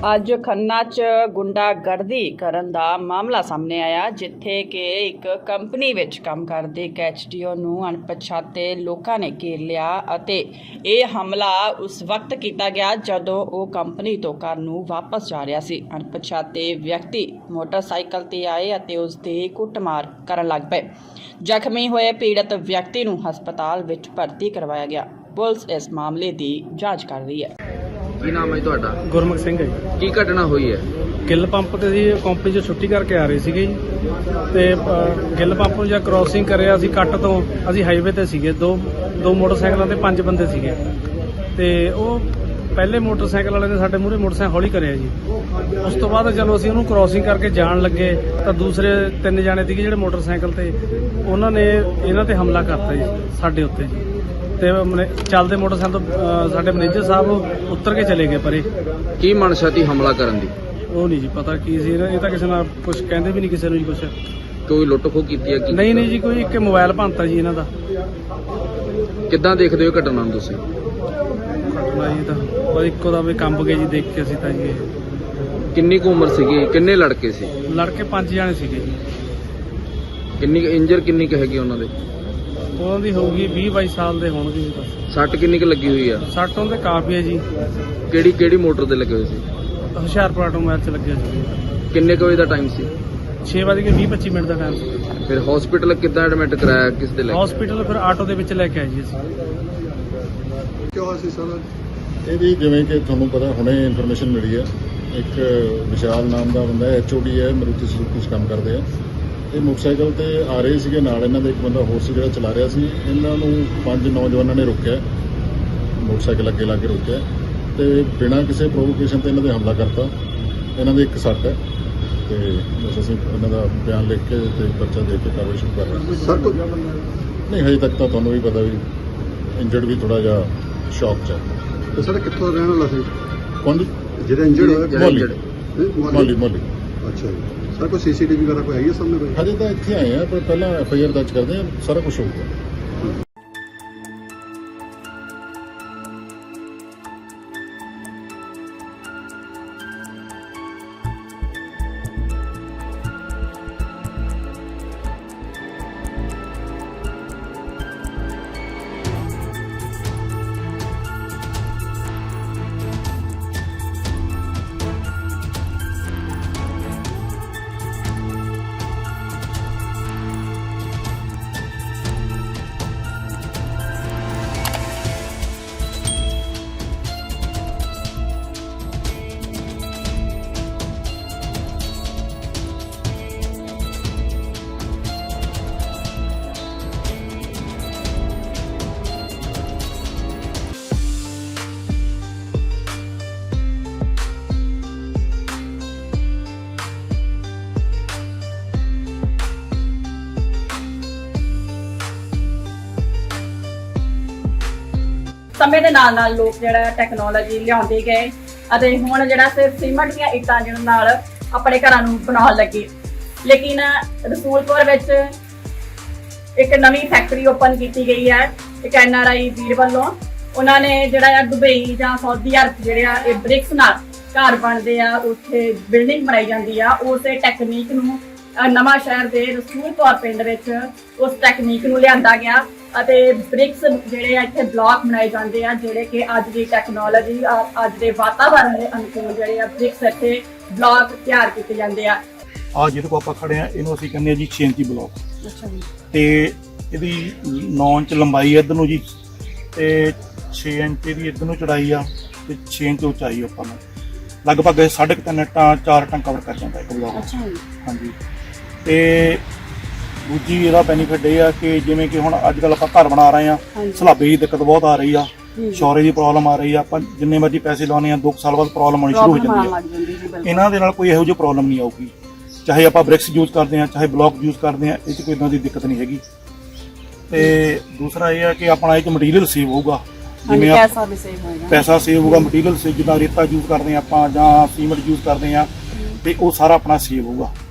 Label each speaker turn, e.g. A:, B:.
A: ਅੱਜ ਖੰਨਾ 'ਚ ਗੁੰਡਾਗਰਦੀ ਕਰਨ ਦਾ ਮਾਮਲਾ ਸਾਹਮਣੇ ਆਇਆ, ਜਿੱਥੇ ਕਿ ਇੱਕ ਕੰਪਨੀ ਵਿੱਚ ਕੰਮ ਕਰਦੇ ਇੱਕ ਐਚਡੀਓ ਨੂੰ ਅਣਪਛਾਤੇ ਲੋਕਾਂ ਨੇ ਘੇਰ ਲਿਆ ਅਤੇ ਇਹ ਹਮਲਾ ਉਸ ਵਕਤ ਕੀਤਾ ਗਿਆ ਜਦੋਂ ਉਹ ਕੰਪਨੀ ਤੋਂ ਘਰ ਨੂੰ ਵਾਪਸ ਜਾ ਰਿਹਾ ਸੀ। ਅਣਪਛਾਤੇ ਵਿਅਕਤੀ ਮੋਟਰਸਾਈਕਲ ਤੇ ਆਏ ਅਤੇ ਉਸ ਦੀ ਕੁੱਟਮਾਰ ਕਰਨ ਲੱਗ ਪਏ। ਜ਼ਖਮੀ ਹੋਏ ਪੀੜਤ ਵਿਅਕਤੀ ਨੂੰ ਹਸਪਤਾਲ ਵਿੱਚ ਭਰਤੀ ਕਰਵਾਇਆ ਗਿਆ। ਪੁਲਿਸ ਇਸ ਮਾਮਲੇ ਦੀ ਜਾਂਚ ਕਰ ਰਹੀ ਹੈ।
B: ਕੀ ਨਾਮ ਹੈ ਤੁਹਾਡਾ?
C: ਗੁਰਮੁਖ ਸਿੰਘ ਹੈ ਜੀ।
B: ਕੀ ਘਟਨਾ ਹੋਈ ਹੈ?
C: ਗਿੱਲ ਪੰਪ ਤੇ ਜੀ ਕੰਪਨੀ 'ਚ ਛੁੱਟੀ ਕਰਕੇ ਆ ਰਹੇ ਸੀਗੇ ਜੀ ਤੇ ਗਿੱਲ ਪੰਪ ਨੂੰ ਜਾਂ ਕ੍ਰਾਸਿੰਗ ਕਰਿਆ ਅਸੀਂ ਕੱਟ ਤੋਂ, ਅਸੀਂ ਹਾਈਵੇ ਤੇ ਸੀਗੇ, ਦੋ ਮੋਟਰਸਾਈਕਲਾਂ ਤੇ 5 ਬੰਦੇ ਸੀਗੇ ਤੇ ਉਹ ਪਹਿਲੇ ਮੋਟਰਸਾਈਕਲ ਵਾਲੇ ਨੇ ਸਾਡੇ ਮੂਹਰੇ ਮੋਟਰਸਾਈਕਲ ਹੌਲੀ ਕਰਿਆ ਜੀ। ਉਸ ਤੋਂ ਬਾਅਦ ਚਲੋ ਅਸੀਂ ਉਹਨੂੰ ਕ੍ਰਾਸਿੰਗ ਕਰਕੇ ਜਾਣ ਲੱਗੇ ਤਾਂ ਦੂਸਰੇ 3 ਜਾਣੇ ਸੀਗੇ ਜਿਹੜੇ ਮੋਟਰਸਾਈਕਲ ਤੇ, ਉਹਨਾਂ ਨੇ ਇਹਨਾਂ ਤੇ ਹਮਲਾ ਕਰਤਾ ਜੀ ਸਾਡੇ ਉੱਤੇ ਜੀ। ਤੇ ਚੱਲਦੇ ਮੋਟਰਸਾਈਕਲ ਤੋਂ ਸਾਡੇ ਮੈਨੇਜਰ ਸਾਹਿਬ ਉੱਤਰ ਕੇ ਚਲੇ ਗਏ ਪਰੇ।
B: ਕੀ ਮਨਸ਼ਾ ਸੀ ਹਮਲਾ ਕਰਨ ਦੀ?
C: ਉਹ ਨਹੀਂ ਜੀ ਪਤਾ ਕੀ ਸੀ, ਇਹ ਤਾਂ ਕਿਸੇ ਨਾਲ ਕੁਝ ਕਹਿੰਦੇ ਵੀ ਨਹੀਂ ਕਿਸੇ ਨੂੰ ਜੀ ਕੁਝ।
B: ਕੋਈ ਲੁੱਟ ਖੋਹ ਕੀਤੀ ਹੈ ਕੀ?
C: ਨਹੀਂ ਜੀ, ਕੋਈ ਇੱਕ ਮੋਬਾਈਲ ਭੰਨਤਾ ਜੀ ਇਹਨਾਂ ਦਾ।
B: ਕਿੱਦਾਂ ਦੇਖਦੇ ਹੋ ਘਟਨਾ ਨੂੰ ਤੁਸੀਂ?
C: ਘਟਨਾ ਜੀ ਤਾਂ ਬਸ ਇੱਕੋ ਦਾ ਵੀ ਕੰਬ ਗਏ ਜੀ ਦੇਖ ਕੇ ਅਸੀਂ ਤਾਂ ਜੀ।
B: ਕਿੰਨੀ ਕੁ ਉਮਰ ਸੀਗੀ? ਕਿੰਨੇ ਲੜਕੇ ਸੀ?
C: ਲੜਕੇ 5 ਜਾਣੇ ਸੀਗੇ ਜੀ।
B: ਕਿੰਨੀ ਇੰਜਰ ਕਿੰਨੀ ਕੁ ਹੈਗੀ ਉਹਨਾਂ ਦੇ?
C: ਉਹਨਾਂ ਦੀ ਹੋਊਗੀ 20-22 ਸਾਲ ਦੇ ਹੋਣਗੇ ਜੀ ਬਸ।
B: ਸੱਟ ਕਿੰਨੀ ਕੁ ਲੱਗੀ ਹੋਈ ਆ?
C: ਸੱਟ ਉਹਦੇ ਕਾਫੀ ਹੈ ਜੀ।
B: ਕਿਹੜੀ ਮੋਟਰ ਤੇ ਲੱਗੇ ਹੋਏ ਸੀ?
C: ਹੁਸ਼ਿਆਰਪੁਰ ਆਟੋਮੋਬਾਈਲ 'ਚ ਲੱਗਿਆ ਸੀ।
B: ਕਿੰਨੇ ਕੁ ਵਜੇ ਦਾ ਟਾਈਮ ਸੀ?
C: 6:20-25 ਮਿੰਟ ਦਾ ਟਾਈਮ ਸੀ।
B: ਫਿਰ ਹਸਪੀਟਲ ਕਿੱਦਾਂ ਐਡਮਿਟ ਕਰਾਇਆ? ਕਿਸ ਦੇ ਲੈ?
C: ਹਸਪੀਟਲ ਫਿਰ ਆਟੋ ਦੇ ਵਿੱਚ ਲੈ ਕੇ ਆਏ ਜੀ ਅਸੀਂ।
D: ਕਿਉਂ ਹੋਇਆ ਸੀ ਸਰ?
E: ਇਹਦੀ ਜਿਵੇਂ ਕਿ ਤੁਹਾਨੂੰ ਪਤਾ ਹੁਣੇ ਇਨਫੋਰਮੇਸ਼ਨ ਮਿਲੀ ਹੈ, ਇੱਕ ਵਿਸ਼ਾਲ ਨਾਮ ਦਾ ਬੰਦਾ ਐਚਓਡੀ ਹੈ, ਮਾਰੂਤੀ ਸੁਜ਼ੂਕੀ 'ਚ ਕੰਮ ਕਰਦੇ ਆ। ਇਹ ਮੋਟਰਸਾਈਕਲ ਤੇ ਆ ਰਹੇ ਸੀਗੇ, ਨਾਲ ਇਹਨਾਂ ਦਾ ਇੱਕ ਬੰਦਾ ਹੋਰ ਸੀ ਜਿਹੜਾ ਚਲਾ ਰਿਹਾ ਸੀ। ਇਹਨਾਂ ਨੂੰ 5 ਨੌਜਵਾਨਾਂ ਨੇ ਰੋਕਿਆ, ਮੋਟਰਸਾਈਕਲ ਅੱਗੇ ਲਾ ਕੇ ਰੋਕਿਆ ਤੇ ਬਿਨਾਂ ਕਿਸੇ ਪ੍ਰੋਵੋਕੇਸ਼ਨ ਤੇ ਇਹਨਾਂ ਦੇ ਹਮਲਾ ਕਰਤਾ। ਇਹਨਾਂ ਦੇ ਇੱਕ ਸੱਟ ਹੈ ਤੇ ਬਸ ਅਸੀਂ ਇਹਨਾਂ ਦਾ ਬਿਆਨ ਲਿਖ ਕੇ ਤੇ ਪਰਚਾ ਦੇ ਕੇ ਕਾਰਵਾਈ ਸ਼ੁਰੂ ਕਰ ਰਹੇ ਹਾਂ।
D: ਸਰ
E: ਨਹੀਂ, ਹਜੇ ਤੱਕ ਤਾਂ ਤੁਹਾਨੂੰ ਵੀ ਪਤਾ ਵੀ ਇੰਜਰਡ ਵੀ ਥੋੜਾ ਜਿਹਾ ਸ਼ੌਕ 'ਚ ਹੈ।
D: ਤੇ ਸਰ ਕਿੱਥੋਂ ਦਾ ਰਹਿਣ ਵਾਲਾ ਸੀ?
E: ਕੌਣ ਜੀ?
D: ਜਿਹੜਾ ਇੰਜਰਡ ਹੋਇਆ?
E: ਮੋਲੀ।
D: ਅੱਛਾ ਜੀ ਸਰ, ਕੋਈ ਸੀਸੀਟੀਵੀ ਵਗੈਰਾ ਕੋਈ ਹੈਗੀ ਹੈ ਸਾਹਮਣੇ ਕੋਈ?
E: ਹਜੇ ਤਾਂ ਇੱਥੇ ਆਏ ਆ, ਪਰ ਪਹਿਲਾਂ ਐਫਆਈਆਰ ਦਰਜ ਕਰਦੇ ਆ, ਸਾਰਾ ਕੁਝ ਹੋਊਗਾ।
A: ਸਮੇਂ ਦੇ ਨਾਲ ਲੋਕ ਜਿਹੜਾ ਟੈਕਨੋਲੋਜੀ ਲਿਆਉਂਦੇ ਗਏ ਅਤੇ ਹੁਣ ਜਿਹੜਾ ਸਿਰਫ ਸੀਮੈਂਟ ਦੀਆਂ ਇੱਟਾਂ ਜਿਹਨਾਂ ਨਾਲ ਆਪਣੇ ਘਰਾਂ ਨੂੰ ਬਣਾਉਣ ਲੱਗੇ। ਲੇਕਿਨ ਰਸੂਲਪੁਰ ਵਿੱਚ ਇੱਕ ਨਵੀਂ ਫੈਕਟਰੀ ਓਪਨ ਕੀਤੀ ਗਈ ਹੈ ਇੱਕ NRI ਵੀਰ ਵੱਲੋਂ। ਉਹਨਾਂ ਨੇ ਜਿਹੜਾ ਦੁਬਈ ਜਾਂ ਸਾਊਦੀ ਅਰਬ ਜਿਹੜੇ ਆ ਇਹ ਬ੍ਰਿਕਸ ਨਾਲ ਘਰ ਬਣਦੇ ਆ, ਉੱਥੇ ਬਿਲਡਿੰਗ ਬਣਾਈ ਜਾਂਦੀ ਆ। ਉਸੇ ਟੈਕਨੀਕ ਨੂੰ ਨਵਾਂ ਸ਼ਹਿਰ ਦੇ ਰਸੂਲਪੁਰ ਪਿੰਡ ਵਿੱਚ ਉਸ ਟੈਕਨੀਕ ਨੂੰ ਲਿਆਂਦਾ ਗਿਆ ਅਤੇ ਬ੍ਰਿਕਸ ਜਿਹੜੇ ਆ ਇੱਥੇ ਬਲਾਕ ਬਣਾਏ ਜਾਂਦੇ ਆ, ਜਿਹੜੇ ਕਿ ਅੱਜ ਦੀ ਟੈਕਨੋਲੋਜੀ ਅੱਜ ਦੇ ਵਾਤਾਵਰਣ ਦੇ ਅਨੁਕੂਲ ਜਿਹੜੇ ਆ ਬ੍ਰਿਕਸ ਇੱਥੇ ਬਲਾਕ ਤਿਆਰ ਕੀਤੇ ਜਾਂਦੇ ਆ।
F: ਜਿਹਦੇ ਕੋਲ ਆਪਾਂ ਖੜੇ ਆ ਇਹਨੂੰ ਅਸੀਂ ਕਹਿੰਦੇ ਆ ਜੀ 6 ਇੰਚੀ ਬਲਾਕ।
A: ਅੱਛਾ ਜੀ।
F: ਤੇ ਇਹਦੀ 9 ਇੰਚ ਲੰਬਾਈ ਇੱਧਰ ਨੂੰ ਜੀ ਤੇ 6 ਇੰਚ ਦੀ ਇੱਧਰ ਨੂੰ ਚੌੜਾਈ ਆ ਤੇ 6 ਇੰਚ ਉਚਾਈ ਆਪਾਂ ਨੂੰ ਲਗਭਗ 3.5 ਟਨ 4 ਟਨ ਕਵਰ ਕਰ ਜਾਂਦਾ ਇੱਕ ਬਲਾਕ।
A: ਅੱਛਾ ਜੀ।
F: ਹਾਂਜੀ। ਤੇ ਦੂਜੀ ਇਹਦਾ ਬੈਨੀਫਿਟ ਇਹ ਆ ਕਿ ਜਿਵੇਂ ਕਿ ਹੁਣ ਅੱਜ ਕੱਲ ਆਪਾਂ ਘਰ ਬਣਾ ਰਹੇ ਆ, ਸਲਾਬੇ ਦੀ ਦਿੱਕਤ ਬਹੁਤ ਆ ਰਹੀ ਆ, ਸ਼ੌਰੇ ਦੀ ਪ੍ਰੋਬਲਮ ਆ ਰਹੀ ਆ। ਆਪਾਂ ਜਿੰਨੇ ਮਰਜ਼ੀ ਪੈਸੇ ਲਾਉਣੇ ਆ 2 ਸਾਲ ਬਾਅਦ ਪ੍ਰੋਬਲਮ ਆਉਣੀ ਸ਼ੁਰੂ ਹੋ ਜਾਂਦੀ ਆ। ਇਹਨਾਂ ਦੇ ਨਾਲ ਕੋਈ ਇਹੋ ਜਿਹੀ ਪ੍ਰੋਬਲਮ ਨਹੀਂ ਆਊਗੀ, ਚਾਹੇ ਆਪਾਂ ਬ੍ਰਿਕਸ ਯੂਜ਼ ਕਰਦੇ ਆ ਚਾਹੇ ਬਲੌਕ ਯੂਜ਼ ਕਰਦੇ ਆ, ਇਹ 'ਚ ਕੋਈ ਇਦਾਂ ਦੀ ਦਿੱਕਤ ਨਹੀਂ ਹੈਗੀ। ਤੇ ਦੂਸਰਾ ਇਹ ਆ ਕਿ ਆਪਣਾ ਇਹ 'ਚ ਮਟੀਰੀਅਲ ਸੇਵ ਹੋਊਗਾ, ਜਿਵੇਂ ਪੈਸਾ ਸੇਵ ਹੋਊਗਾ। ਮਟੀਰੀਅਲ ਸੇਵ ਜਿੱਦਾਂ ਰੇਤਾ ਯੂਜ਼ ਕਰਦੇ ਆ ਆਪਾਂ ਜਾਂ ਸੀਮੈਂਟ ਯੂਜ਼ ਕਰਦੇ ਆ ਤੇ ਉਹ ਸਾਰਾ ਆਪਣਾ ਸੇਵ ਹੋਊਗਾ।